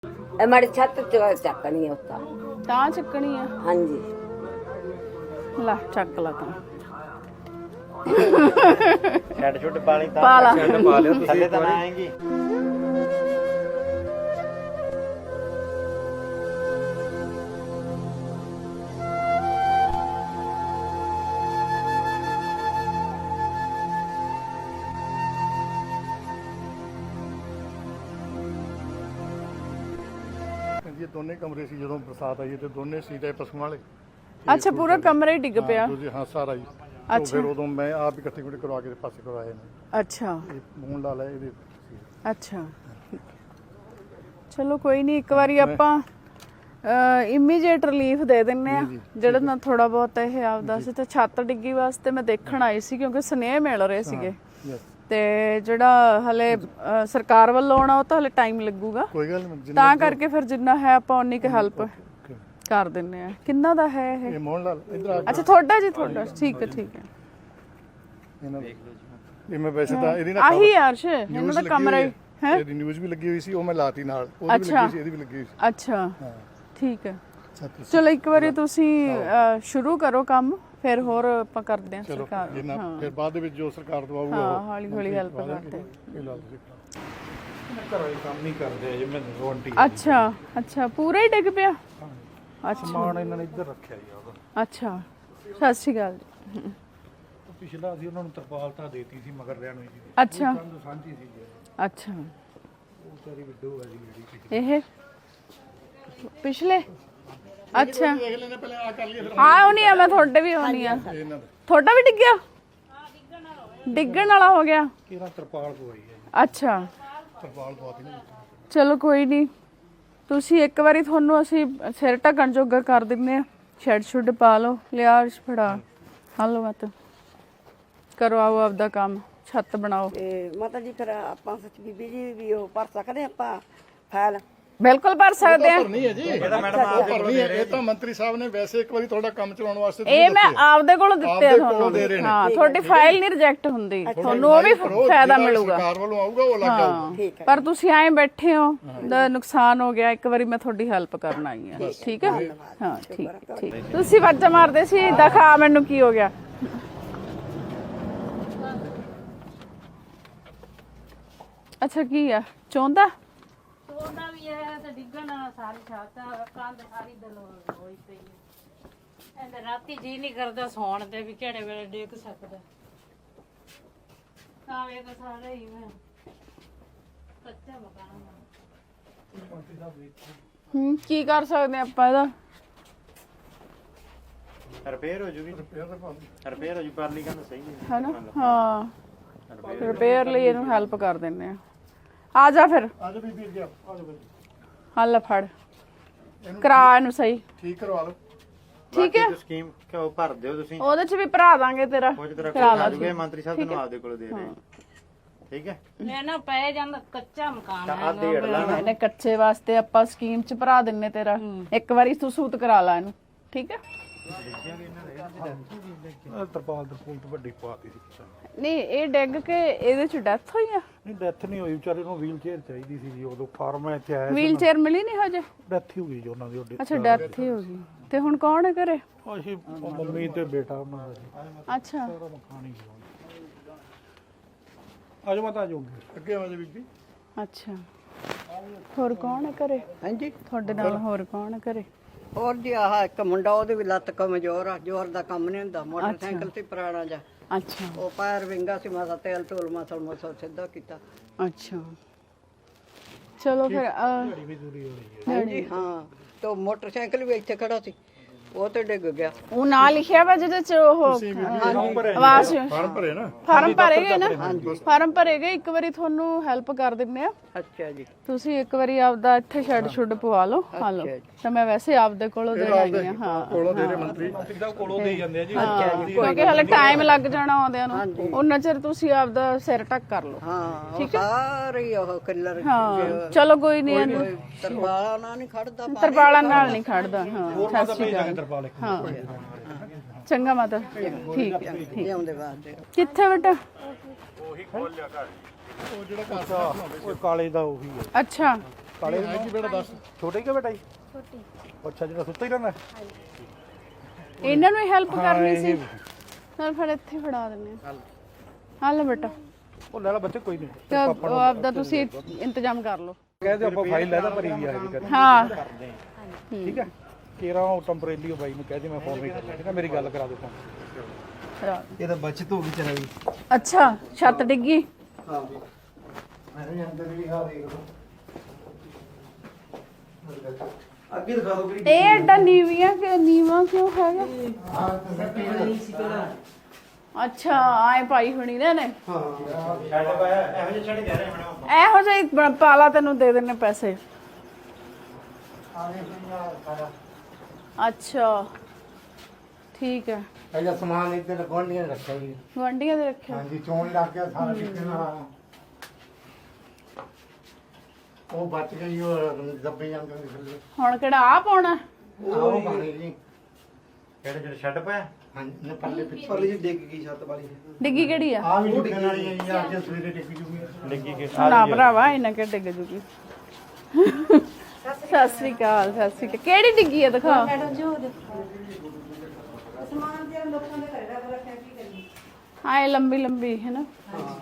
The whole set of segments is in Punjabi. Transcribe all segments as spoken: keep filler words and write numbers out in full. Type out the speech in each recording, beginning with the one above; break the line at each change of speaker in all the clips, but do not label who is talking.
हमारी छत चकनी है उसका
ਤਾਂ ਚੱਕਣੀ ਆ
हाँ जी
ਲੈ ਚੱਕ ਲਾ ਤਾਂ
ਛੱਡ ਛੁੱਟ ਪਾਣੀ ਤਾਂ
ਪਾ ਲਾ।
ਛੱਡ ਪਾ ਲਿਓ ਥੱਲੇ ਤਾਂ ਨਾ ਆਏਗੀ।
ये दोनों कमरे सी जो बरसात आई तो दोनों सीट है पशुओं वाले
ਅੱਛਾ ਪੂਰਾ ਕਮਰਾ ਹੀ ਡਿੱਗ ਪਿਆ
हाँ, हाँ सारा ही तो
अच्छा।
फिर उदों मैं आप ही इकट्ठे करवा के पास करवाए ने
ਅੱਛਾ
ये मून ला लिया ये
ਅੱਛਾ ਚਲੋ ਕੋਈ ਨਹੀਂ ਇੱਕ ਵਾਰੀ ਆਪਾਂ ਇਮੀਡੀਏਟ ਰਿਲੀਫ ਦੇ ਦਿੰਨੇ ਆ ਜਿਹੜਾ ਨਾ ਥੋੜਾ ਬਹੁਤ ਇਹ ਆਪਦਾ ਸੀ ਤੇ ਛੱਤ ਡਿੱਗੀ ਵਾਸਤੇ ਮੈਂ ਦੇਖਣ ਆਈ ਸੀ ਕਿਉਂਕਿ ਸਨੇਹ ਮਿਲ ਰਹੇ ਸੀਗੇ ਤੇ ਜਿਹੜਾ ਹਲੇ ਅ, ਸਰਕਾਰ ਵੱਲੋਂ ਆਉਣਾ ਉਹ ਤਾਂ ਹਲੇ ਟਾਈਮ ਲੱਗੂਗਾ
कोई गल नहीं
ਤਾਂ ਕਰਕੇ ਫਿਰ ਜਿੰਨਾ ਹੈ ਆਪਾਂ ਉਨੀ ਕੁ ਹੈਲਪ ਕਰ ਦਿੰਨੇ ਆ ਕਿੰਨਾ ਦਾ ਹੈ ਇਹ
ये मोहन लाल इधर आ
ਅੱਛਾ ਤੁਹਾਡਾ ਜੀ ਤੁਹਾਡਾ ਠੀਕ ਹੈ ਠੀਕ ਹੈ
इन्हां ये मैं वैसे तो ਇਹਦੀ ਨਾ
ਆਹੀ ਅਰਸ਼ ਇਹਨਾਂ ਦਾ ਕਮਰਾ ਹੀ ਹੈ
ਇਹਦੀ ਨਿਊਜ਼ ਵੀ ਲੱਗੀ ਹੋਈ ਸੀ ਉਹ ਮੈਂ ਲਾਤੀ ਨਾਲ ਉਹ ਵੀ
ਅੱਛਾ।
ਲੱਗੀ ਸੀ ਇਹਦੀ ਵੀ ਲੱਗੀ ਹੋਈ ਸੀ
ਅੱਛਾ
ਹਾਂ
ਠੀਕ ਹੈ
ਅੱਛਾ ਤੁਸੀਂ
ਚਲੋ ਇੱਕ ਵਾਰੀ ਤੁਸੀਂ ਅ, ਸ਼ੁਰੂ ਕਰੋ ਕੰਮ ਫਿਰ ਹੋਰ ਆਪਾਂ ਕਰਦੇ ਹਾਂ
ਚਲੋ
ਸਰਕਾਰ
ਇਹ ਨਾ ਫਿਰ ਬਾਅਦ ਦੇ ਵਿੱਚ ਜੋ ਸਰਕਾਰ ਦਵਾਊਗਾ
ਹਾਂ ਹੌਲੀ ਹੌਲੀ ਹੈਲਪ ਕਰਦੇ
ਇਹ ਲਾ ਤੁਸੀਂ
ਘਰੋਂ ਹੀ ਕੰਮ ਨਹੀਂ ਕਰਦੇ ਜੇ ਮੈਂ ਰੋਂਟੀ
ਅੱਛਾ ਅੱਛਾ ਪੂਰਾ ਹੀ ਡਿੱਗ ਪਿਆ ਅੱਛਾ
ਸਮਾਨ ਇਹਨਾਂ ਨੇ ਇੱਧਰ ਰੱਖਿਆ ਜੀ ਉਹਦਾ
ਅੱਛਾ ਸਤਿ ਸ਼੍ਰੀ ਅਕਾਲ ਜੀ
ਪਿਛਲਾ ਸੀ ਉਹਨਾਂ ਨੂੰ ਤਰਪਾਲ ਤਾਂ ਦੇਤੀ ਸੀ ਮਗਰ ਰਿਆਂ ਨੂੰ ਜੀ
ਅੱਛਾ
ਕੰਧ ਸਾਂਝੀ ਸੀ ਜੀ
ਅੱਛਾ
ਉਹ ਸਾਰੀ ਵਿਡੋ ਹੈ ਜੀ ਜਿਹੜੀ
ਇਹ ਪਿਛਲੇ ਅੱਛਾ
ਦੇਖ ਲੈਣੇ ਪਹਿਲੇ ਆ ਕਰ ਲਈਏ ਫਿਰ
ਹਾਂ ਹੋਣੀ ਆ ਮੈਂ ਤੁਹਾਡੇ ਵੀ ਹੋਣੀ ਆ
ਇਹਨਾਂ ਦਾ
ਤੁਹਾਡਾ ਵੀ ਡਿੱਗਿਆ ਡਿੱਗਣ ਵਾਲਾ ਹੋ ਗਿਆ
ਕਿਹੜਾ ਤਰਪਾਲ ਪਵਾਈ ਹੈ ਜੀ
ਅੱਛਾ
ਤਰਪਾਲ ਦਵਾਤੀ ਨਾ
ਚਲੋ ਕੋਈ ਨਹੀਂ ਤੁਸੀਂ ਇੱਕ ਵਾਰੀ ਤੁਹਾਨੂੰ ਅਸੀਂ ਸਿਰ ਢੱਕਣ ਜੋਗਾ ਕਰ ਦਿੰਨੇ ਆ ਸ਼ੈਡ ਸ਼ੁੱਡ ਪਾ ਲਓ ਲਿਆ ਅਰਸ਼ ਫੜਾ ਹਲੋ ਮਤ ਕਰੋ ਆਓ ਆਪਦਾ ਕੰਮ ਛੱਤ ਬਣਾਓ
ਤੇ ਮਾਤਾ ਜੀ ਫਿਰ ਆਪਾਂ ਸੱਚ ਬੀਬੀ ਜੀ ਵੀ ਉਹ ਭਰ ਸਕਦੇ ਆਪਾਂ ਫਾਈਲ
ਬਿਲਕੁਲ ਭਰ ਸਕਦੇ ਆ
ਨਹੀਂ ਹੈ ਜੀ ਇਹਦਾ ਮੈਡਮ ਆਪ ਭਰਨੀ ਹੈ ਇਹ ਤਾਂ ਮੰਤਰੀ ਸਾਹਿਬ ਨੇ ਵੈਸੇ ਇੱਕ ਵਾਰੀ ਤੁਹਾਡਾ ਕੰਮ ਚਲਾਉਣ ਵਾਸਤੇ
ਇਹ ਮੈਂ ਆਪਦੇ ਕੋਲੋਂ ਦਿੱਤੇ ਆ
ਆਪਦੇ ਕੋਲੋਂ ਦੇ ਰਹੇ
ਤੁਹਾਨੂੰ
ਨੇ।
ਹਾਂ ਤੁਹਾਡੀ ਫਾਈਲ ਨਹੀਂ ਰਿਜੈਕਟ ਹੁੰਦੀ ਤੁਹਾਨੂੰ ਉਹ ਵੀ ਫਾਇਦਾ ਮਿਲੂਗਾ
ਸਰਕਾਰ ਵੱਲੋਂ ਆਊਗਾ ਉਹ ਲੱਗ ਜਾਊਗਾ
ਠੀਕ ਹੈ
ਪਰ ਤੁਸੀਂ ਐਂ ਬੈਠੇ ਹੋ ਦਾ ਨੁਕਸਾਨ ਹੋ ਗਿਆ ਇੱਕ ਵਾਰੀ ਮੈਂ ਤੁਹਾਡੀ ਹੈਲਪ ਕਰਨ ਆਈ ਆ ਠੀਕ ਹੈ ਹਾਂ ਠੀਕ ਠੀਕ ਤੁਸੀਂ ਵਾਜਾ ਮਾਰਦੇ ਸੀ ਦਿਖਾ ਮੈਨੂੰ ਕੀ ਹੋ ਗਿਆ ਅੱਛਾ ਕੀ ਆ ਚੌਂਦਾ
ਉਹਦਾ ਵੀ ਹੈ ਤੇ ਡਿੱਗਣ ਸਾਰੀ ਛੱਤ ਕੰਧ ਸਾਰੀ ਦਲ ਹੋਈ ਪਈ ਹੈ ਇਹਦੇ ਰਾਤੀ ਜੀ ਨਹੀਂ ਕਰਦਾ ਸੌਣ ਤੇ ਵੀ ਕਿਹੜੇ ਵੇਲੇ ਡਿੱਗ ਸਕਦਾ ਤਾਂ ਵੇਖ ਸਾਰੇ ਹੀ ਮੈਂ ਕੱਚਾ ਮਕਾਨ ਆ।
ਹੂੰ ਕੀ ਕਰ ਸਕਦੇ ਆਪਾਂ ਇਹਦਾ
ਰਿਪੇਅਰ ਹੋ ਜੂਗੀ ਰਿਪੇਅਰ ਹੋ ਜੂ ਪਰਲੀ ਕੰਧ ਸਹੀ ਹੈ
ਹੈਨਾ ਹਾਂ ਰਿਪੇਅਰ ਲਈ ਇਹਨੂੰ ਹੈਲਪ ਕਰ ਦਿੰਨੇ ਆ ਆ ਜਾ ਫਿਰ
ਆ ਜਾ ਬੀਬੀ ਅੱਗੇ ਆ ਜਾ ਬੀਬੀ
ਹੱਲ ਫੜ ਕਰਾ ਇਹਨੂੰ ਸਹੀ
ਠੀਕ ਕਰਵਾ ਲਓ
ਠੀਕ ਹੈ
ਸਕੀਮ ਕਿਉਂ ਭਰ ਦਿਓ ਤੁਸੀਂ
ਉਹਦੇ ਚ ਵੀ ਭਰਾ ਦਾਂਗੇ ਤੇਰਾ
ਕੁਝ ਤਰ੍ਹਾਂ
ਕਰਾ
ਆ
ਲਾ
ਜੂਗੇ ਮੰਤਰੀ ਸਾਹਿਬ ਤੁਹਾਨੂੰ ਆਪਦੇ ਕੋਲ ਦੇ ਰਹੇ ਠੀਕ ਹੈ
ਮੈਂ ਨਾ ਪੈ ਜਾਂਦਾ ਕੱਚਾ ਮਕਾਨ
ਤਾਂ
ਹੈ
ਆ ਡੇਢ ਲਾ ਨਾ
ਇਹਨੇ ਕੱਚੇ ਵਾਸਤੇ ਆਪਾਂ ਸਕੀਮ ਚ ਭਰਾ ਦਿੰਨੇ ਤੇਰਾ ਇੱਕ ਵਾਰੀ ਤੂੰ ਸੂਤ ਕਰਾ ਲਾ ਇਹਨੂੰ ਠੀਕ ਹੈ
ਤਰਪਾਲ ਤਰਪੂਲ ਤੋਂ ਵੱਡੀ ਪਵਾਤੀ ਸੀ
ਨਹੀਂ ਇਹ ਡਿੱਗ ਕੇ ਇਹਦੇ ਚ ਡੈਥ ਹੋਈ ਆ
ਨਹੀਂ ਡੈਥ ਨਹੀਂ ਹੋਈ ਵਿਚਾਰੇ ਨੂੰ ਵੀਲ ਚੇਅਰ ਚਾਹੀਦੀ ਸੀ ਜੀ ਉਦੋਂ ਫਾਰਮ ਇੱਥੇ ਆਇਆ
ਵੀਲ ਚੇਅਰ ਮਿਲੀ ਨਹੀਂ ਹਜੇ
ਡੈਥ ਹੀ ਹੋ ਗਈ ਜੀ ਉਹਨਾਂ ਦੀ ਉਹਦੇ
ਅੱਛਾ ਡੈਥ ਹੀ ਹੋ ਗਈ ਤੇ ਹੁਣ ਕੌਣ ਹੈ ਘਰੇ
ਅਸੀਂ ਮੰਮੀ ਤੇ ਬੇਟਾ ਉਹਨਾਂ ਦਾ ਜੀ
ਅੱਛਾ
ਸਾਰਾ ਮਕਾਨ ਹੀ ਆ ਜਾਓ ਮਾਤਾ ਜੋ
ਅੱਗੇ ਆ ਜਾ ਬੀਬੀ
ਅੱਛਾ ਹੋਰ ਕੌਣ ਹੈ ਘਰੇ
ਹਾਂਜੀ
ਤੁਹਾਡੇ ਨਾਲ ਹੋਰ ਕੌਣ ਹੈ ਘਰੇ
ਹੋਰ ਜੀ ਆਹ ਇੱਕ ਮੁੰਡਾ ਉਹਦੇ ਵੀ ਲੱਤ ਕਮਜ਼ੋਰ ਆ ਜ਼ੋਰ ਦਾ ਕੰਮ ਨਹੀਂ ਹੁੰਦਾ ਮੋਟਰਸਾਈਕਲ ਤੇ ਪੁਰਾਣਾ ਜਾ
ਅੱਛਾ
ਉਹ ਪੈਰ ਵਿੰਗਾ ਸੀ ਮਾਸਾ ਤੇਲ ਧੂਲ ਮਸਲ ਮਸਲ ਸਿੱਧਾ ਕੀਤਾ
ਅੱਛਾ ਚਲੋ ਫਿਰ ਅਹ,
ਹਾਂਜੀ ਹਾਂ ਤੇ ਮੋਟਰਸਾਈਕਲ ਵੀ ਇੱਥੇ ਖੜਾ ਸੀ ਉਹ ਤੇ ਡਿੱਗ ਗਿਆ
ਉਹ ਨਾਂ ਲਿਖਿਆ ਵਾ ਜਿਹਦੇ ਚ ਉਹ ਆਵਾਜ਼
ਫਾਰਮ ਭਰੇ ਨਾ
ਫਾਰਮ ਭਰੇਗੇ ਨਾ ਫਾਰਮ ਭਰੇਗੇ ਇੱਕ ਵਾਰੀ ਤੁਹਾਨੂੰ ਹੈਲਪ ਕਰ ਦਿੰਨੇ ਆ
ਅੱਛਾ ਜੀ
ਤੁਸੀਂ ਇੱਕ ਵਾਰੀ ਆਪਦਾ ਇੱਥੇ ਸ਼ੈਡ ਸ਼ੁੱਡ ਪਵਾ ਲਓ ਹਾਂ ਲਓ ਤਾਂ ਮੈਂ ਵੈਸੇ ਆਪਦੇ ਕੋਲੋਂ ਦੇ ਆਈ ਆ ਹਾਂ
ਕੋਲੋਂ ਦੇ ਰਹੇ ਮੰਤਰੀ
ਕੋਲੋਂ ਦੇ ਜਾਂਦੇ ਆ ਜੀ
ਕਿਉਂਕਿ ਹਲੇ ਟਾਈਮ ਲੱਗ ਜਾਣਾ ਆਉਂਦਿਆਂ ਨੂੰ ਉਹਨਾਂ ਚਿਰ ਤੁਸੀਂ ਆਪਦਾ ਸਿਰ ਟੱਕ ਕਰ ਲਓ
ਹਾਂ ਉਹ ਸਾਰੇ ਉਹ ਕਿੱਲਰ
ਹਾਂ ਚਲੋ ਕੋਈ ਨਹੀਂ ਇਹਨੂੰ
ਤਰਵਾਲਾ ਨਾ ਨਹੀਂ ਖੜਦਾ
ਤਰਪਾਲਾਂ ਨਾਲ ਨਹੀਂ ਖੜਦਾ ਹਾਂ ਸਤਿ ਸ਼੍ਰੀ ਅਕਾਲ
ਤਰਪਾਲ ਇੱਕ
ਹਾਂ ਚੰਗਾ ਮਾਤਾ ਠੀਕ ਹੈ ਠੀਕ
ਲਿਆਉਂਦੇ ਵਾਸਤੇ
ਕਿੱਥੇ ਬੇਟਾ
ਉਹ ਜਿਹੜਾ
ਉਹ ਕਾਲੇ ਦਾ ਉਹੀ ਹੈ
ਅੱਛਾ
ਕਾਲੇ ਹੈ ਕੀ ਬੇਟਾ ਦੱਸ
ਛੋਟੇ ਕਿ ਬੇਟਾ ਜੀ ਛੋਟੀ ਅੱਛਾ ਜਿਹੜਾ ਸੁੱਤਾ ਹੀ ਰਹਿੰਦਾ
ਇਹਨਾਂ ਨੂੰ ਹੈਲਪ ਕਰਨੀ ਸੀ ਨਾਲ ਫਿਰ ਇੱਥੇ ਫੜਾ ਦਿੰਦੇ ਆ ਹਾਂ ਲੈ ਬੇਟਾ
ਉਹ ਲੈ ਲਾ ਬੱਚੇ ਕੋਈ ਨਹੀਂ
ਤੇ ਉਹ ਆਪਦਾ ਤੁਸੀਂ ਇੰਤਜ਼ਾਮ ਕਰ ਲਓ
ਕਹਿੰਦੇ ਆਪਾਂ ਫਾਈਲ ਲੈ ਦਾ ਭਰੀ ਵੀ ਆ ਜੀ
ਹਾਂ
ਠੀਕ ਹੈ ਕੇਰਾ ਉਹ ਟੈਂਪਰੇਰੀ ਬਾਈ ਨੂੰ ਕਹਿ ਦੇ ਮੈਂ ਫੋਨ ਨਹੀਂ ਕਰਦਾ ਠੀਕ ਹੈ ਮੇਰੀ ਗੱਲ ਕਰਾ ਦੇ ਫੋਨ
ਇਹ ਤਾਂ ਬਚਤ ਹੋ ਗਈ ਚਲਾ ਗਈ
ਅੱਛਾ ਛੱਤ ਡਿੱਗੀ
ਹਾਂ ਜੀ ਮੈਂ ਅੰਦਰ ਵੀ ਆ ਦੇਖ ਲਓ ਅੱਗੇ ਦਿਖਾ ਦਿਓ ਵੀਰੇ
ਇਹ ਐਡਾ ਨੀਵੀਆਂ ਕਿ ਨੀਵਾ ਕਿਉਂ ਹੈਗਾ
ਹਾਂ ਸੱਟੀ ਨਹੀਂ ਸੀ ਪਹਿਲਾਂ
ਅੱਛਾ ਆਏ ਪਾਈ ਹੋਣੀ ਨੇ ਨੇ
ਹਾਂ
ਛੱਡ ਪਾਇਆ ਇਹੋ ਜਿਹੇ ਛੱਡ ਦੇ ਰਹੇ ਮੈਡਮ
ਇਹੋ ਜਿਹੀ ਬ- ਪਾਲਾ ਤੈਨੂੰ ਦੇ ਦੇਣੇ ਪੈਸੇ
ਆਲੇ ਸਾਰਾ
ਅੱਛਾ ਠੀਕ ਹੈ
ਪਹਿਲਾਂ ਸਮਾਨ ਇੱਧਰ ਗੋਂਡੀਆਂ ਰੱਖਿਆ ਜੀ
ਗੁਆਂਢੀਆਂ ਦੇ ਰੱਖਿਆ
ਹਾਂਜੀ ਚੋਣ ਲੱਗ ਗਿਆ ਸਾਰਾ ਕਿੰਨਾ ਉਹ ਬਚ ਗਈ ਉਹ ਦੱਬੇ ਜਾਂਦੇ ਨੇ ਥੱਲੇ
ਹੁਣ ਕਿਹੜਾ ਆ ਪਾਉਣਾ
ਉਹ ਪਾਣੀ ਜੀ
ਕਿਹੜੇ ਜਿਹੜੇ ਛੱਡ ਪਾਇਆ
ਹਾਂਜੀ ਨੇ ਪੱਲੇ ਪਿੱਛੇ ਪੱਲੇ ਜੀ ਡਿੱਗ ਗਈ ਛੱਤ ਵਾਲੀ
ਡਿੱਗੀ ਕਿਹੜੀ ਆ
ਆ ਵੀ ਡਿੱਗਣ ਵਾਲੀ ਹੈ ਜੀ ਅੱਜ ਸਵੇਰੇ ਡਿੱਗ ਜੂਗੀ
ਲੱਗੀ ਕਿ
ਨਾ ਭਰਾਵਾ ਇਹਨਾਂ ਕਿ ਡਿੱਗ ਜੂਗੀ ਸਤਿ ਸ੍ਰੀ ਅਕਾਲ ਸਤਿ ਸ੍ਰੀ ਅਕਾਲ ਕਿਹੜੀ ਡਿੱਗੀ ਆ ਦਿਖਾ ਹਾਂ ਇਹ ਲੰਬੀ ਲੰਬੀ ਹੈ ਨਾ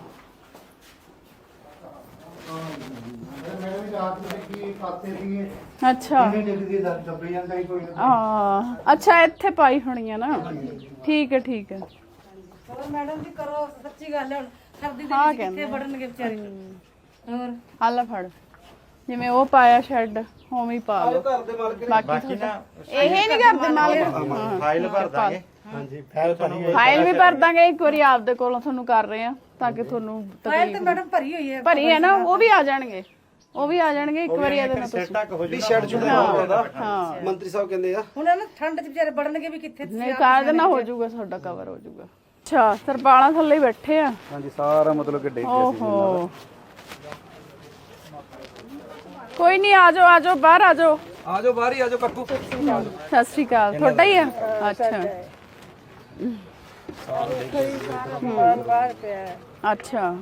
ਮੈਂ ਵੀ ਰਾਤ ਨੂੰ ਦੇਖੀ ਪਾਤੇ ਸੀ
ਅੱਛਾ
ਕਿਵੇਂ ਡਿੱਗਦੀ ਦੱਬੇ ਜਾਂਦਾ ਹੀ ਕੋਈ
ਹਾਂ ਅੱਛਾ ਇੱਥੇ ਪਾਈ ਹੋਣੀ ਆ ਨਾ ਠੀਕ ਹੈ ਠੀਕ ਹੈ
ਮੈਡਮ ਜੀ ਕਰੋ ਸੱਚੀ ਗੱਲ ਹੁਣ ਸਰਦੀ ਦੇ
ਹਾਂ
ਵਿੱਚ
ਕਹਿੰਦੇ
ਕਿੱਥੇ ਵੜਨਗੇ ਵਿਚਾਰੇ ਹੋਰ
ਆਲਾ ਫੜ ਜਿਵੇਂ ਉਹ ਪਾਇਆ ਸ਼ੈੱਡ ਉਵੇਂ ਹੀ ਪਾ ਲਓ ਬਾਕੀ
ਬਾਕੀ ਨਾ
ਇਹ ਨਹੀਂ ਕਰਦੇ ਮਾਲਕ
ਫਾਈਲ ਭਰ ਦਾਂਗੇ
ਹਾਂਜੀ ਫੈਲ ਪਾਣੀ
ਫਾਈਲ ਵੀ ਭਰ ਦਾਂਗੇ ਇੱਕ ਵਾਰੀ ਆਪਦੇ ਕੋਲੋਂ ਤੁਹਾਨੂੰ ਕਰ ਰਹੇ ਆ ਤਾਂ ਕਿ ਤੁਹਾਨੂੰ
ਫਾਈਲ ਤੇ ਮੈਡਮ ਭਰੀ ਹੋਈ ਹੈ
ਭਰੀ ਹੈ ਨਾ ਉਹ ਵੀ ਆ ਜਾਣਗੇ ਉਹ ਵੀ ਆ ਜਾਣਗੇ ਇੱਕ ਵਾਰੀ ਇਹਦੇ ਨਾਲ ਤੁਸੀਂ
ਤੱਕ ਹੋ ਜੂ
ਸ਼ੈਡ ਛੁੱਟਦਾ
ਹਾਂ
ਮੰਤਰੀ ਸਾਹਿਬ ਕਹਿੰਦੇ ਆ
ਹੁਣ ਇਹਨਾਂ ਠੰਡ ਚ ਵਿਚਾਰੇ ਵੜਨਗੇ ਵੀ ਕਿੱਥੇ
ਨਹੀਂ ਕਰ ਦੇਣਾ ਹੋ ਜਾਊਗਾ ਤੁਹਾਡਾ ਕਵਰ ਹੋ ਜਾਊਗਾ ਅੱਛਾ ਤਰਪਾਲਾਂ ਥੱਲੇ ਹੀ ਬੈਠੇ ਆ
ਹਾਂਜੀ ਸਾਰਾ ਮਤਲਬ ਕਿ ਡਿੱਗ
ਓਹੋ ਕੋਈ ਨਹੀਂ ਆ ਜਾਓ ਆ ਜਾਓ ਬਾਹਰ ਆ ਜਾਓ
ਆ ਜਾਓ ਬਾਹਰ ਹੀ ਆ ਜਾਓ ਕੱਕੂ
ਸਤਿ ਸ਼੍ਰੀ ਅਕਾਲ ਤੁਹਾਡਾ ਹੀ ਆ ਅੱਛਾ
ਬਾਹਰ ਪਿਆ
ਅੱਛਾ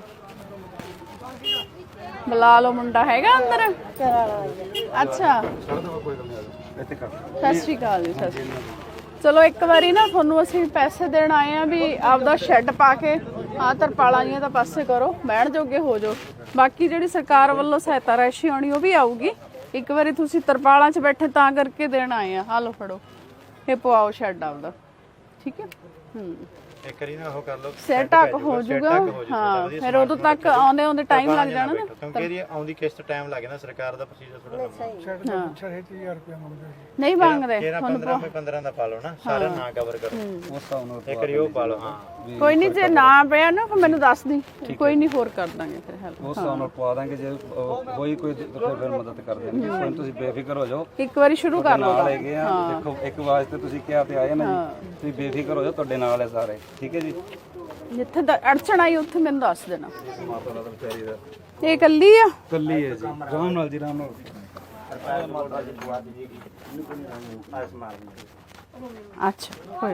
ਬੁਲਾ ਲਓ ਮੁੰਡਾ ਹੈਗਾ ਅੰਦਰ ਅੱਛਾ
ਇੱਥੇ ਕਰ
ਸਤਿ ਸ਼੍ਰੀ ਅਕਾਲ ਜੀ ਸਤਿ ਸ਼੍ਰੀ ਅਕਾਲ ਚਲੋ ਇੱਕ ਵਾਰੀ ਨਾ ਤੁਹਾਨੂੰ ਅਸੀਂ ਪੈਸੇ ਦੇਣ ਆਏ ਆ ਵੀ ਆਪਦਾ ਸ਼ੈੱਡ ਪਾ ਕੇ ਆਹ ਤਰਪਾਲਾਂ ਜੀਆਂ ਦਾ ਪਾਸੇ ਕਰੋ ਬਹਿਣ ਜੋਗੇ ਹੋ ਜਾਓ ਬਾਕੀ ਜਿਹੜੀ ਸਰਕਾਰ ਵੱਲੋਂ ਸਹਾਇਤਾ ਰਾਸ਼ੀ ਆਉਣੀ ਉਹ ਵੀ ਆਊਗੀ ਇੱਕ ਵਾਰੀ ਤੁਸੀਂ ਤਰਪਾਲਾਂ 'ਚ ਬੈਠੇ ਤਾਂ ਕਰਕੇ ਦੇਣ ਆਏ ਆ ਆਹ ਲਓ ਫੜੋ ਇਹ ਪਵਾਓ ਸ਼ੈੱਡ ਆਪਦਾ ਠੀਕ ਹੈ ਹੂੰ
ਇੱਕ ਵਾਰੀ ਨਾ ਉਹ ਕਰ ਲਓ
ਸੈਟ ਅਪ ਹੋ ਜਾਊਗਾ ਹਾਂ ਫਿਰ ਉਦੋਂ ਤੱਕ ਆਉਂਦੇ ਆਉਂਦੇ ਟਾਈਮ ਲੱਗ ਜਾਣਾ ਨਾ
ਕਿਉਂਕਿ ਇਹਦੀ ਆਉਂਦੀ ਕਿਸ਼ਤ ਟਾਈਮ ਲੱਗ ਜਾਂਦਾ ਸਰਕਾਰ ਦਾ ਪ੍ਰੋਸੀਜਰ ਥੋੜਾ ਲੰਮਾ
ਹਾਂ
ਛੇ ਹਜ਼ਾਰ ਰੁਪਏ ਮੰਗਦੇ
ਨਹੀਂ ਮੰਗਦੇ
ਤੇਰਾ ਪੰਦਰਾਂ ਮੈਂ ਪੰਦਰਾਂ ਦਾ ਪਾ ਲਓ ਨਾ ਸਾਰਾ ਨਾ ਕਵਰ ਕਰੋ ਉਸ ਹਿਸਾਬ ਨਾਲ ਇੱਕ ਵਾਰੀ ਉਹ ਪਾ ਲਓ ਹਾਂ
ਕੋਈ ਨਹੀਂ ਜੇ ਨਾ ਪਿਆ ਨਾ ਫਿਰ ਮੈਨੂੰ ਦੱਸ ਦੀ ਕੋਈ ਨਹੀਂ ਹੋਰ ਕਰ ਦਾਂਗੇ ਫਿਰ ਹੈਲਪ
ਉਸ ਹਿਸਾਬ ਨਾਲ ਪਵਾ ਦਾਂਗੇ ਜੇ ਹੋਈ ਕੋਈ ਤਾਂ ਫਿਰ ਮਦਦ ਕਰ ਦੇਣਗੇ ਹੁਣ ਤੁਸੀਂ ਬੇਫਿਕਰ ਹੋ ਜਾਓ
ਇੱਕ ਵਾਰੀ ਸ਼ੁਰੂ ਕਰ ਲਓ
ਨਾਲ ਹੈਗੇ ਆ ਦੇਖੋ ਇੱਕ ਵਾਸਤੇ ਤੁਸੀਂ ਕਿਹਾ ਤੇ ਆਏ ਨਾ ਜੀ ਤੁਸੀਂ ਬੇਫਿਕਰ ਹੋ ਜਾਓ ਤੁਹਾਡੇ ਨਾਲ ਹੈ ਸਾਰੇ ਠੀਕ ਹੈ ਜੀ
ਜਿੱਥੇ ਦਾ ਅੜਚਣ ਆਈ ਉੱਥੇ ਮੈਨੂੰ ਦੱਸ ਦੇਣਾ
ਮਾਤਾ ਦਾ ਵਿਚਾਰੀ ਦਾ
ਇਹ ਇਕੱਲੀ ਆ
ਕੱਲੀ ਹੈ ਜੀ ਰਾਮ ਨਾਲ ਜੀ ਰਾਮ ਨਾਲ
ਅੱਛਾ ਕੋਈ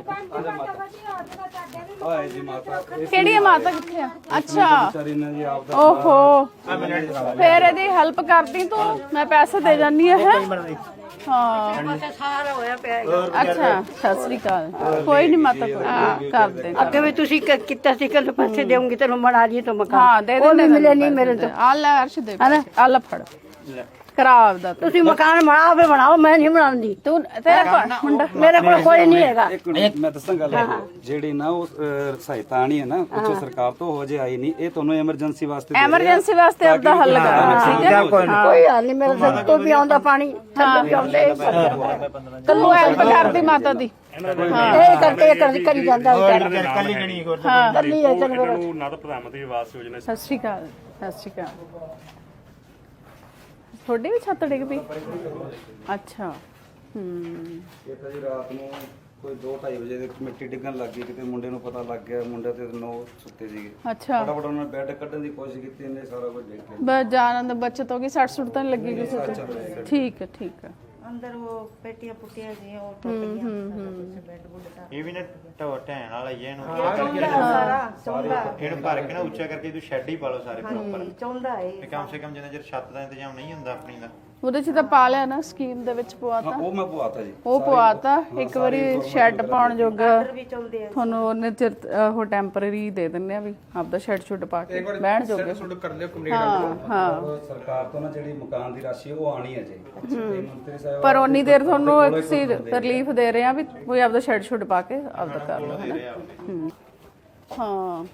ਆਏ ਜੀ ਮਾਤਾ ਇਹ
ਕਿਹੜੀ ਆ ਮਾਤਾ ਕਿੱਥੇ ਆ ਅੱਛਾ
ਵਿਚਾਰੀ ਨੇ ਜੀ ਆਪ ਦਾ
ਓਹੋ ਫੇਰ ਇਹਦੀ ਹੈਲਪ ਕਰਦੀ ਤੂੰ ਮੈਂ ਪੈਸੇ ਦੇ ਜਾਨੀ ਆ ਹੈ ਹਾਂ
ਸਾਰਾ ਹੋਇਆ ਪਿਆ
ਅੱਛਾ ਸਤਿ ਸ੍ਰੀ ਅਕਾਲ ਕੋਈ ਨਹੀਂ ਮਾਤਾ ਕੋਈ ਕਰ ਦੇ
ਅੱਗੇ ਵੀ ਤੁਸੀਂ ਕ- ਕੀਤਾ ਸੀ ਕਿ ਪੈਸੇ ਦੇਉਂਗੀ ਤੈਨੂੰ ਬਣਾ ਲਈ ਤੂੰ ਮਕਾਨ
ਹਾਂ ਦੇ ਦੇ
ਉਹ ਵੀ ਮਿਲੇ ਨਹੀਂ ਮੇਰੇ ਤੋਂ
ਆ ਲੈ ਅਰਸ਼ ਦੇ ਆ ਲੈ ਫੜ ਕਰਾ ਆਪਦਾ ਤੂੰ
ਤੁਸੀਂ ਮਕਾਨ ਬਣਾ ਆਪੇ ਬਣਾਓ ਮੈਂ ਨਹੀਂ ਬਣਾਉਂਦੀ
ਤੂੰ ਤੇਰਾ ਕੋਲ ਮੁੰਡਾ
ਮੇਰੇ ਕੋਲ ਕੋਈ ਨਹੀਂ ਹੈਗਾ
ਇੱਕ ਮਿੰਟ ਮੈਂ ਦੱਸਾਂ ਗੱਲ ਜਿਹੜੀ ਨਾ ਉਹ ਅਹ, ਸਹਾਇਤਾ ਆਣੀ ਹੈ ਨਾ ਕੁਝ ਸਰਕਾਰ ਤੋਂ ਹੋ ਜੇ ਆਈ ਨਹੀਂ ਇਹ ਤੁਹਾਨੂੰ ਐਮਰਜੈਂਸੀ ਵਾਸਤੇ ਦੇ ਰਹੇ ਆ।
ਐਮਰਜੈਂਸੀ ਵਾਸਤੇ ਆਪਦਾ ਹੱਲ ਕਰਨਾ ਠੀਕ ਹੈ
ਕੋਈ ਹਾਲ ਨਹੀਂ ਮੇਰੇ ਸਿਰ ਤੋਂ ਵੀ ਆਉਂਦਾ ਪਾਣੀ ਥੱਲੇ ਵੀ ਆਉਂਦੇ
ਤੂੰ ਹੈਲਪ ਕਰਦੀ ਮਾਤਾ ਦੀ
ਇਹ ਕਰਕੇ ਇਹ ਕਰਦੀ ਕਰੀ ਜਾਂਦਾ ਵਿਚਾਰਾ
ਕੱਲੀ ਗਣੀ ਹੋਰ
ਕੱਲੀ ਹੈ ਚਲ ਫਿਰ
ਨਾ ਤਾਂ ਪ੍ਰਧਾਨ ਮੰਤਰੀ ਆਵਾਸ ਯੋਜਨਾ
ਸਤਿ ਸ਼੍ਰੀ ਅਕਾਲ ਸਤਿ ਸ਼੍ਰੀ ਅਕਾਲ ਤੁਹਾਡੀ ਵੀ ਛੱਤ ਡਿੱਗ ਪਈ ਅੱਛਾ ਹੂੰ
ਇਹ ਤਾਂ ਜੀ ਰਾਤ ਨੂੰ ਕੋਈ ਦੋ ਢਾਈ ਵਜੇ ਦੇ ਮਿੱਟੀ ਡਿੱਗਣ ਲੱਗ ਗਈ ਕਿਤੇ ਮੁੰਡੇ ਨੂੰ ਪਤਾ ਲੱਗ ਗਿਆ ਮੁੰਡੇ ਤੇ ਨੌ ਸੁੱਤੇ ਸੀਗੇ
ਅੱਛਾ
ਫਟਾਫਟ ਉਹਨਾਂ ਨੇ ਬੈੱਡ ਕੱਢਣ ਦੀ ਕੋਸ਼ਿਸ਼ ਕੀਤੀ ਇਹਨੇ ਸਾਰਾ ਕੁਝ ਡਿੱਗ ਗਿਆ
ਬਸ ਜਾਨ ਦਾ ਬਚਤ ਹੋ ਗਈ ਸੱਟ ਸੁੱਟ ਤਾਂ ਨੀ ਲੱਗੀ ਕਿਸੇ ਤੇ ਠੀਕ ਹੈ ਠੀਕ ਹੈ
ਅੰਦਰ ਉਹ ਪੇਟੀਆਂ ਪੁੱਟੀਆਂ ਸੀ ਉਹ ਟੁੱਟ ਗਈਆਂ ਬੈੱਡ ਬੁੱਡ ਦਾ
ਇਹ ਵੀ ਨਾ ਢੋ ਢੈਣ ਵਾਲਾ ਹੀ ਹੈ ਇਹਨੂੰ
ਸਾਰਾ ਚੌਂਦਾ
ਇਹਨੂੰ ਭਰ ਕੇ ਨਾ ਉੱਚਾ ਕਰਕੇ ਤੂੰ ਸ਼ੈੱਡ ਹੀ ਪਾ ਲਓ ਸਾਰੇ ਪ੍ਰੋਪਰ
ਚੌਂਦਾ ਹੈ
ਤੇ ਕਮ ਸੇ ਕਮ ਜਿੰਨਾ ਚਿਰ ਛੱਤ ਦਾ ਇੰਤਜ਼ਾਮ ਨਹੀਂ ਹੁੰਦਾ ਆਪਣੀ ਦਾ
ਉਹਦੇ ਚ ਤਾਂ ਪਾ ਲਿਆ ਨਾ, ਸਕੀਮ ਦੇ ਵਿੱਚ ਪਵਾਤਾ।
ਉਹ ਮੈਂ ਪਵਾਤਾ ਜੀ,
ਉਹ ਪਵਾਤਾ। ਇੱਕ ਵਾਰੀ ਸ਼ੈੱਡ ਪਾਉਣ ਜੋਗਾ ਤੁਹਾਨੂੰ ਉਹਨੇ ਚਿਰ ਉਹ ਟੈਂਪਰੇਰੀ ਦੇ ਦਿੰਦੇ ਆ ਵੀ ਆਪਦਾ ਸ਼ੈੱਡ ਸ਼ੁੱਡ ਪਾ ਕੇ ਬਹਿਣ ਜੋਗੇ। ਹਾਂ ਹਾਂ
ਸਰਕਾਰ ਤੋਂ ਨਾ ਜਿਹੜੀ ਮਕਾਨ ਦੀ ਰਾਸ਼ੀ ਉਹ ਆਣੀ ਹੈ ਜੀ, ਤੇ ਮੰਤਰੀ ਸਾਹਿਬ
ਪਰ ਉਨੀ ਦੇਰ ਤੁਹਾਨੂੰ ਇੱਕ ਸੀ ਰਿਲੀਫ ਦੇ ਰਹੇ ਆ ਵੀ ਕੋਈ ਆਪਦਾ ਸ਼ੈੱਡ ਸ਼ੁੱਡ ਪਾ ਕੇ ਆਪਦਾ ਕਰ ਲਓ, ਹੈ ਨਾ। ਹੂੰ ਹਾਂ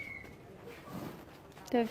ਤੇ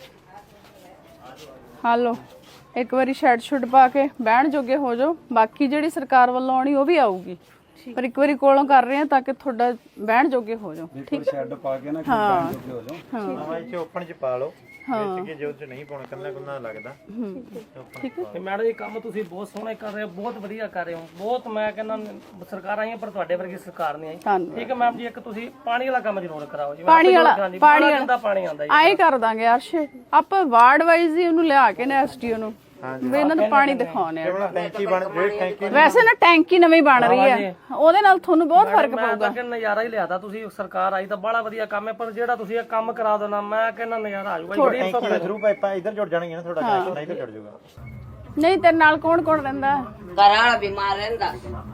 ਹਾਲੋ ਇੱਕ ਵਾਰੀ ਸ਼ੈੱਡ ਸ਼ੁੱਡ ਪਾ ਕੇ ਬਹਿਣ ਜੋਗੇ ਹੋ ਜਾਓ। ਬਾਕੀ ਜਿਹੜੀ ਸਰਕਾਰ ਵੱਲੋਂ ਆਉਣੀ ਉਹ ਵੀ ਆਊਗੀ, ਪਰ ਇੱਕ ਵਾਰੀ ਕੋਲੋਂ ਕਰ ਰਹੇ ਆ ਤਾਂ ਕਿ ਤੁਹਾਡਾ ਬਹਿਣ ਜੋਗੇ ਹੋ ਜਾਓ।
ਠੀਕ ਹੈ, ਸ਼ੈੱਡ ਪਾ ਕੇ ਨਾ ਬਹਿਣ ਜੋਗੇ ਹੋ ਜਾਓ।
ਹਾਂ ਇੱਥੇ ਓਪਨ ਚ ਪਾ ਲਓ, ਵਿੱਚ ਕਿ ਜੋ ਚ ਨਹੀਂ ਪਾਉਣਾ ਕੰਨਾ ਕੁੰਨਾ ਲੱਗਦਾ।
ਠੀਕ ਹੈ।
ਤੇ ਮੈਡਮ ਇਹ ਕੰਮ ਤੁਸੀਂ ਬਹੁਤ ਸੋਹਣਾ ਕਰ ਰਹੇ ਹੋ, ਬਹੁਤ ਵਧੀਆ ਕਰ ਰਹੇ ਹੋ, ਬਹੁਤ ਮੈਂ ਕਹਿੰਦਾ ਸਰਕਾਰ ਆਈਆਂ ਪਰ ਤੁਹਾਡੇ ਵਰਗੀ ਸਰਕਾਰ ਨਹੀਂ ਆਈ।
ਧੰਨਵਾਦ।
ਠੀਕ ਹੈ ਮੈਮ ਜੀ, ਇੱਕ ਤੁਸੀਂ ਪਾਣੀ ਵਾਲਾ ਕੰਮ ਜ਼ਰੂਰ ਕਰਾਓ ਜੀ।
ਪਾਣੀ ਵਾਲਾ
ਪਾਣੀ
ਪਾਣੀ
ਵਾਲਾ ਪਾਣੀ ਆਉਂਦਾ ਜੀ,
ਆਏ ਕਰ ਦਾਂਗੇ ਅਰਸ਼, ਆਪਾਂ ਵਾਰਡ ਵਾਈਜ਼ ਹੀ ਉਹਨੂੰ ਲਿਆ ਕੇ ਨਾ ਐਸਟੀਓ ਨੂੰ ਵੀ ਇਹਨਾਂ ਨੂੰ ਪਾਣੀ ਦਿਖਾਉਣੇ ਆ।
ਟੈਂਕੀ ਬਣ ਜਿਹੜੀ ਟੈਂਕੀ
ਵੈਸੇ ਨਾ ਟੈਂਕੀ ਨਵੀਂ ਬਣ ਰਹੀ ਹੈ, ਉਹਦੇ ਨਾਲ ਤੁਹਾਨੂੰ ਬਹੁਤ ਫਰਕ
ਮੈਂ
ਪਊਗਾ।
ਤਾਂ ਕਹਿੰਦਾ ਨਜ਼ਾਰਾ ਹੀ ਲਿਆਦਾ ਤੁਸੀਂ। ਸਰਕਾਰ ਆਈ ਤਾਂ ਬੜਾ ਵਧੀਆ ਕੰਮ ਹੈ, ਪਰ ਜਿਹੜਾ ਤੁਸੀਂ ਇਹ ਕੰਮ ਕਰਾ ਦੇਣਾ ਮੈਂ ਕਹਿੰਦਾ ਨਜ਼ਾਰਾ ਆ ਜਾਊਗਾ। ਬੜੀ
ਟੈਂਕੀ ਦੇ ਥਰੂ ਪਾਈਪਾਂ ਇੱਧਰ ਜੁੜ ਜਾਣਗੀਆਂ ਨਾ, ਤੁਹਾਡਾ ਕਨੈਕਸ਼ਨ ਇੱਧਰ ਜੁੜ ਜਾਊਗਾ।
ਨਹੀਂ ਤੇਰੇ ਨਾਲ ਕੌਣ ਕੌਣ ਰਹਿੰਦਾ?
ਘਰ ਵਾਲਾ ਬਿਮਾਰ ਰਹਿੰਦਾ,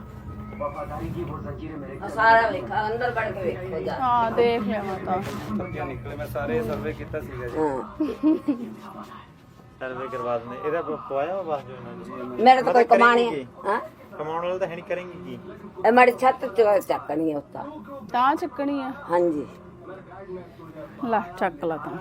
ਸਾਰਾ ਵੇਖਾ ਅੰਦਰ ਵੜ ਕੇ ਵੇਖੋ ਜਾ।
ਹਾਂ ਦੇਖ ਲਿਆ ਮੈਂ ਤਾਂ।
ਸਬਜ਼ੀਆਂ ਨਿਕਲੇ, ਮੈਂ ਸਾਰੇ ਸਰਵੇ ਕੀਤਾ ਸੀਗਾ ਜੀ।
ਸਰਵੇ ਕਰਵਾ ਦਿੰਦੇ। ਇਹਦਾ ਪਵਾਇਆ ਵਾ ਬਸ ਜੋ ਇਹਨਾਂ ਨੇ।
ਮੇਰੇ ਤਾਂ ਕੋਈ ਕਮਾਣੀ ਹੈ ਹਾਂ,
ਕਮਾਉਣ ਵਾਲਾ ਤਾਂ ਹੈ ਨਹੀਂ, ਕਰੇਂਗੀ ਕੀ?
ਇਹ ਮਾੜੀ ਛੱਤ ਤੇ ਚੱਕਣੀ ਹੈ ਉੱਤਾ।
ਤਾਂ ਚੱਕਣੀ ਆ?
ਹਾਂਜੀ
ਲੈ ਚੱਕ ਲਾ ਤਾਂ।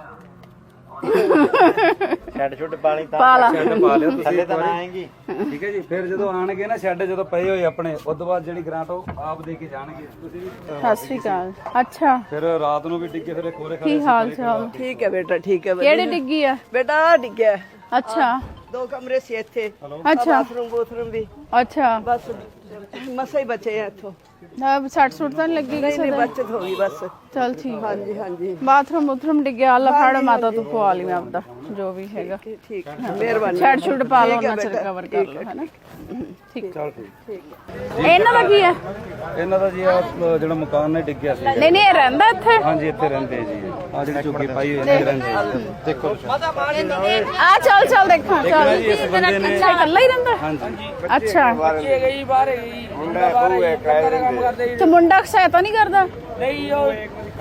ਸ਼ੈੱਡ ਸ਼ੁੱਡ ਪਾਣੀ ਤਾਂ
ਪਾ ਲਾ।
ਸ਼ੈੱਡ ਪਾ ਲਿਓ ਤੁਸੀਂ
ਥੱਲੇ
ਇੱਕ
ਤਾਂ ਨਾ
ਵਾਰੀ,
ਆਏਗੀ।
ਠੀਕ ਹੈ ਜੀ। ਫਿਰ ਜਦੋਂ ਆਣਗੇ ਨਾ ਸ਼ੈੱਡ ਜਦੋਂ ਪਏ ਹੋਏ ਆਪਣੇ, ਉਸ ਤੋਂ ਬਾਅਦ ਜਿਹੜੀ ਗ੍ਰਾਂਟ ਉਹ ਆਪ ਦੇ ਕੇ ਜਾਣਗੇ। ਤੁਸੀਂ ਵੀ
ਸਤਿ ਸ਼੍ਰੀ ਅਕਾਲ। ਅੱਛਾ
ਫਿਰ ਰਾਤ ਨੂੰ ਵੀ ਟਿੱਕੇ ਫਿਰ ਖੋਰੇ
ਕੀ ਹਾਲ ਚਾਲ?
ਠੀਕ ਹੈ ਬੇਟਾ, ਠੀਕ ਹੈ।
ਕਿਹੜੀ ਡਿੱਗੀ ਆ?
ਬੇਟਾ ਡਿੱਗਿਆ।
ਅੱਛਾ
ਦੋ ਕਮਰੇ ਸੀ ਇੱਥੇ,
ਅੱਛਾ
ਬਾਥਰੂਮ ਬੂਥਰੂਮ ਵੀ,
ਅੱਛਾ।
ਬਸ ਮਸਾ ਹੀ ਬਚੇ ਆ ਇੱਥੋਂ।
ਨਾ ਸੱਟ ਸੁੱਟ ਤਾਂ ਨੀ ਲੱਗੀ
ਨਹੀਂ
ਕਿਸੇ
ਨਹੀਂ
ਦੇ?
ਬਚਤ ਹੋ ਗਈ ਬਸ।
ਚਲ ਠੀਕ।
ਹਾਂਜੀ ਹਾਂਜੀ
ਬਾਥਰੂਮ ਬੂਥਰੂਮ ਡਿੱਗਿਆ, ਅੱਲਾ ਫੜ ਮਾਤਾ ਤੂੰ ਪਵਾ ਲਈ ਮੈਂ ਆਪਦਾ ਜੋ ਵੀ ਹੈਗਾ।
ਠੀਕ ਹੈ, ਮਿਹਰਬਾਨੀ।
ਛੱਡ ਛੁੱਟ ਪਾ ਲਓ, ਉਹਨਾਂ ਚਿਰ ਕਵਰ ਕਰ ਲਓ, ਹੈ ਨਾ। ਠੀਕ ਚਲ ਠੀਕ। ਇਹਨਾਂ ਦਾ ਕੀ ਹੈ?
ਇਹਨਾਂ ਦਾ ਜੀ ਆਹ ਜਿਹੜਾ ਮਕਾਨ ਨੇ ਡਿੱਗਿਆ ਸੀ।
ਨਹੀਂ ਨਹੀਂ ਇਹ ਰਹਿੰਦਾ ਇੱਥੇ?
ਹਾਂਜੀ ਇੱਥੇ ਰਹਿੰਦੇ ਜੀ। ਆ ਜਿਹੜੀ ਝੁੱਗੀ ਪਾਈ ਹੋਈ ਹੈ ਰਹਿੰਦੇ ਜੀ। ਦੇਖੋ
ਆ ਚੱਲ ਚੱਲ ਦੇਖਾਂ ਚੱਲ।
ਇਸ ਬੰਦੇ ਨੇ
ਅੱਛਾ ਇਕੱਲਾ ਹੀ ਰਹਿੰਦਾ?
ਹਾਂਜੀ
ਅੱਛਾ
ਬੱਚੇ ਗਈ ਬਾਹਰ ਗਈ ਮੁੰਡਾ ਬਹੂ ਹੈ ਕੰਮ ਕਰਦੇ
ਤੇ ਮੁੰਡਾ ਸਹਾਇਤਾ ਨਹੀਂ ਕਰਦਾ?
ਨਹੀਂ ਉਹ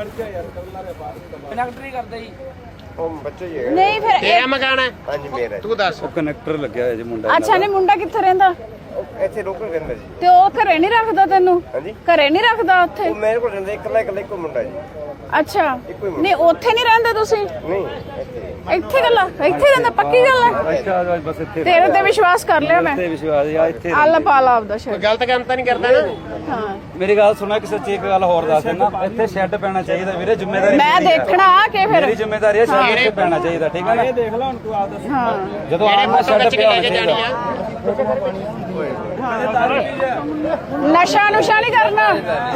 ਕਨੈਕਟਰੀ ਕਰਦਾ ਜੀ।
ਉਹ ਬੱਚੇ ਹੀ
ਨਹੀਂ ਫਿਰ ਇਹ-
ਮਕਾਨ ਹੈ। ਹਾਂਜੀ ਮੇਰਾ। ਤੂੰ ਦੱਸ।
ਉਹ ਕਨੈਕਟਰ ਲੱਗਿਆ ਹੋਇਆ ਜੀ ਮੁੰਡਾ।
ਅੱਛਾ ਨਹੀਂ ਮੁੰਡਾ ਕਿੱਥੇ ਰਹਿੰਦਾ?
ਇੱਥੇ ਲੋਕਲ ਰਹਿੰਦਾ ਜੀ।
ਤੇ ਉਹ ਘਰੇ ਨਹੀਂ ਰੱਖਦਾ ਤੈਨੂੰ?
ਹਾਂਜੀ।
ਘਰੇ ਨਹੀਂ ਰੱਖਦਾ ਉੱਥੇ?
ਉਹ ਮੇਰੇ ਕੋਲ ਰਹਿੰਦਾ ਇਕੱਲਾ ਇਕੱਲਾ ਇੱਕੋ ਮੁੰਡਾ ਜੀ।
ਅੱਛਾ ਨਹੀਂ ਉੱਥੇ ਨਹੀਂ ਰਹਿੰਦੇ ਤੁਸੀਂ?
ਨਹੀਂ ਇੱਥੇ
ਇੱਥੇ ਗੱਲ ਆ? ਇੱਥੇ ਰਹਿੰਦਾ ਪੱਕੀ ਗੱਲ ਆ?
ਅੱਛਾ ਬਸ ਇੱਥੇ
ਤੇਰੇ ਤੇ ਵਿਸ਼ਵਾਸ ਕਰ ਲਿਆ ਮੈਂ।
ਤੇ ਵਿਸ਼ਵਾਸ ਆ ਇੱਥੇ।
ਅੱਲਾ ਪਾਲਾ ਆਪਦਾ ਸ਼ਹਿਰ।
ਗਲਤ ਕੰਮ ਤਾਂ ਨਹੀਂ ਕਰਦਾ ਨਾ?
ਹਾਂ
ਮੇਰੀ ਗੱਲ ਸੁਣਾ, ਕਿਸੇ ਸੱਚੀ ਇੱਕ ਗੱਲ ਹੋਰ ਦੱਸ ਦੇਣਾ, ਇੱਥੇ ਸ਼ੈੱਡ ਪੈਣਾ ਚਾਹੀਦਾ ਵੀਰੇ, ਜ਼ਿੰਮੇਵਾਰੀ
ਮੈਂ ਦੇਖਣਾ ਕਿ ਫਿਰ
ਮੇਰੀ ਜ਼ਿੰਮੇਵਾਰੀ ਹੈ, ਸ਼ੈੱਡ ਇੱਥੇ ਪੈਣਾ ਚਾਹੀਦਾ। ਠੀਕ ਹੈ ਨਾ? ਇਹ ਦੇਖ ਲੈ ਹੁਣ ਤੂੰ ਆਪ ਦੱਸ।
ਹਾਂ
ਜਦੋਂ ਆਪ ਸ਼ੈੱਡ ਪਿਆ ਹੋਣਾ ਚਾਹੀਦਾ।
ਨਸ਼ਾ ਨੁਸ਼ਾ ਨਹੀਂ ਕਰਨਾ।